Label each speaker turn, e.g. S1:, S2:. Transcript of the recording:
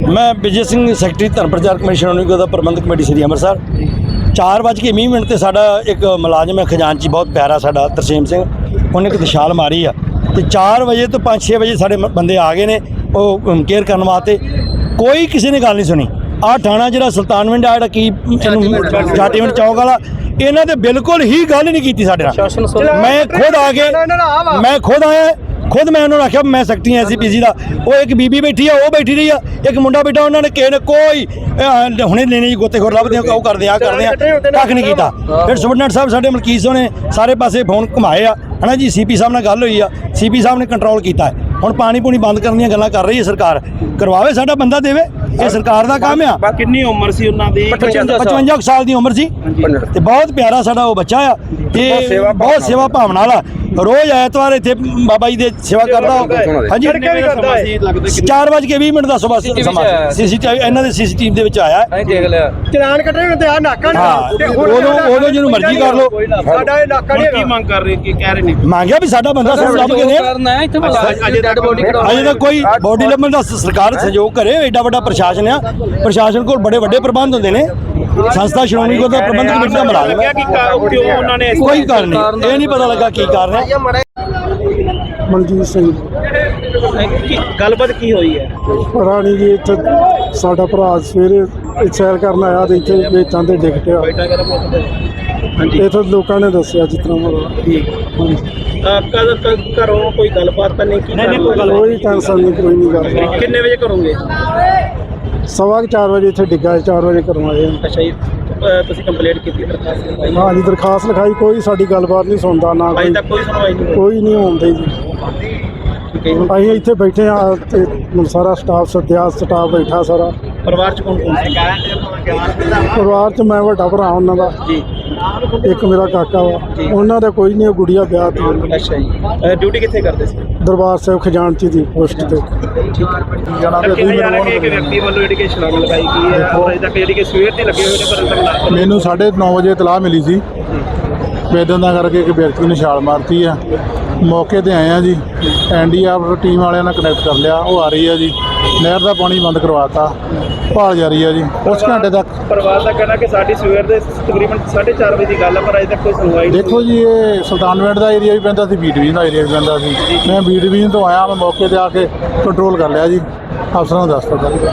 S1: मैं विजय सिंह सैकटरी धर्म प्रचार कमेटी श्रोमणी गुरुद्वारा प्रबंधक कमेटी श्री अंमृतसर 4:20 ते साडा एक मुलाजम है खजानची बहुत प्यारा साडा तरसेम सिंह उन्हें एक दिशाल मारी आ ते 4 बजे तो 5-6 बजे साडे बंदे आ गए ने वो केयर करने वास्ते कोई किसी ने गल नहीं सुनी। आ थाना जिहड़ा सुल्तानविंड आ जिहड़ा की जाटीविंड चौक वाला इन्हां ने बिल्कुल ही गल नहीं की साडे नाल। मैं खुद आया खुद मैं उन्होंने आख्या मैं सैकटरी SCPC का वो एक बीबी बैठी है वो बैठी रही है एक मुंडा बैठा उन्होंने किसी ने कोई हुणे लेने गोतेखोर लभदे वो करदे आ कख नहीं किया। फिर सुपरडेंट साहब साडे मलकीत ने सारे पासे फोन घुमाए है ना जी CP साहब नाल गल हुई आ CP साहब ने कंट्रोल किया है। हुण पानी पूनी बंद करने दी गल्लां कर रही है सरकार करवावे साडा बंदा देवे ये सरकार का काम आ।
S2: कितनी उम्र सी उन्हां दी
S1: 55 साल की उम्र सी ते बहुत प्यारा साडा वो बच्चा आ ते बहुत सेवा भावना वाला रोज ऐतवार इत्थे बाबा जी दे सेवा करदा हां जी 4:20 दा सुबह समा CCTV इन्हां दे CCTV दे विच आया
S3: चलान कटे हुण ते आ नाका
S1: नहीं ओदो जिन्नू मर्जी कर लो
S3: साडा इलाका नहीं
S2: की मांग कर रहे कि कह रहे नहीं
S1: मांगया भी साडा बंदा सब लभ के ने अजे तक कोई बॉडी लभण दा सरकार सहयोग करे। एडा वड्डा प्रशासन आ प्रशासन कोल बड़े वड्डे प्रबंध हुंदे ने संस्था श्रोमणी गुरुद्वारा प्रबंधक कमेटी दा मुलाजम है कोई कारण नहीं ये नहीं पता लगा की कारण है।
S4: मनजीत सिंह
S2: गलबात की हुई है
S4: राणी जी इत्थे साडा भरा सवेरे सैर करन आया ते इत्थे वेचां ते डिग पिया इत्थे लोकां ने दस्सिया जितना
S2: घरों कोई गलबात तो नहीं की
S4: कोई टेंशन नहीं कोई नहीं गल।
S2: कितने बजे करोगे
S4: 4:15 बजे इत्थे डिग्गा 4 बजे करवाए।
S2: अच्छा जी ਤੁਸੀਂ ਕੰਪਲੇਂਟ ਕੀਤੀ ਦਰਖਾਸਤ ਲਿਖਾਈ
S4: हाँ जी दरखास्त लिखाई कोई साडी गलबात नहीं सुनता ना
S2: ਅਜੇ ਤੱਕ ਕੋਈ ਸੁਣਵਾਈ ਨਹੀਂ
S4: कोई नहीं होंदे जी
S2: ਠੀਕ ਹੈ ਜੀ।
S4: ਅਸੀਂ ਇੱਥੇ ਬੈਠੇ ਆ ਤੇ ਹੁਣ ਸਾਰਾ ਸਟਾਫ ਬੈਠਾ ਸਾਰਾ
S2: ਪਰਿਵਾਰ ਚ ਕੌਣ ਕੌਣ ਸੀ
S4: ਪਰਿਵਾਰ ਚ ਮੈਂ ਵੱਡਾ ਭਰਾ ਉਹਨਾਂ ਦਾ
S2: ਜੀ
S4: ਇੱਕ ਮੇਰਾ ਕਾਕਾ ਵਾ ਉਹਨਾਂ ਦਾ ਕੋਈ ਨਹੀਂ ਗੁੜੀਆ ਵਿਆਹ ਤੇ
S2: ਅੱਛਾ ਜੀ ਡਿਊਟੀ ਕਿੱਥੇ ਕਰਦੇ ਸੀ
S4: ਦਰਬਾਰ ਸਾਹਿਬ ਖਜ਼ਾਨਚੀ ਦੀ ਪੋਸਟ ਤੇ
S2: ਇੱਕ ਵਿਅਕਤੀ ਵੱਲੋਂ ਜਿਹੜੀ ਕਿ ਛਲਾਂਗ ਲਗਾਈ ਗਈ ਹੈ ਔਰ ਅਜੇ ਤੱਕ ਜਿਹੜੀ ਕਿ ਸਵੇਰ ਦੇ ਲੱਗੇ ਹੋਏ ਨੇ ਪਰ ਅੰਦਰ ਲਾ
S5: ਮੈਨੂੰ 9:30 ਵਜੇ ਇਤਲਾਹ ਮਿਲੀ ਸੀ ਇਦਾਂ ਦਾ ਕਰਕੇ ਇੱਕ ਵਿਅਕਤੀ ਨੇ ਛਾਲ ਮਾਰਤੀ ਆ ਮੌਕੇ ਤੇ ਆਏ ਆ ਜੀ NDRF ਟੀਮ ਵਾਲਿਆਂ ਨਾਲ ਕਨੈਕਟ ਕਰ ਲਿਆ ਉਹ ਆ ਰਹੀ ਆ ਜੀ ਨਹਿਰ ਦਾ ਪਾਣੀ ਬੰਦ ਕਰਵਾਤਾ ਭਾਲ ਜਾਰੀ ਆ ਜੀ ਉਸ ਘੰਟੇ ਤੱਕ।
S2: ਪਰਿਵਾਰ ਦਾ ਕਹਿਣਾ ਕਿ ਸਾਡੀ ਸਵੇਰ ਦੇ ਤਕਰੀਬਨ 4:30 ਵਜੇ ਦੀ ਗੱਲ ਹੈ ਪਰ ਅਜੇ ਤੱਕ ਕੋਈ ਸੁਣਵਾਈ ਨਹੀਂ।
S5: ਦੇਖੋ ਜੀ ਇਹ ਸੁਲਤਾਨਵਿੰਡ ਦਾ ਏਰੀਆ ਵੀ ਪੈਂਦਾ ਸੀ ਬੀ ਡਿਵੀਜ਼ਨ ਦਾ ਏਰੀਆ ਵੀ ਪੈਂਦਾ ਸੀ ਮੈਂ ਬੀ ਡਿਵੀਜ਼ਨ ਤੋਂ ਆਇਆ ਮੈਂ ਮੌਕੇ ਤੇ ਆ ਕੇ ਕੰਟਰੋਲ ਕਰ ਲਿਆ ਜੀ ਅਫਸਰਾਂ ਨੂੰ ਦੱਸ ਦਿੱਤਾ।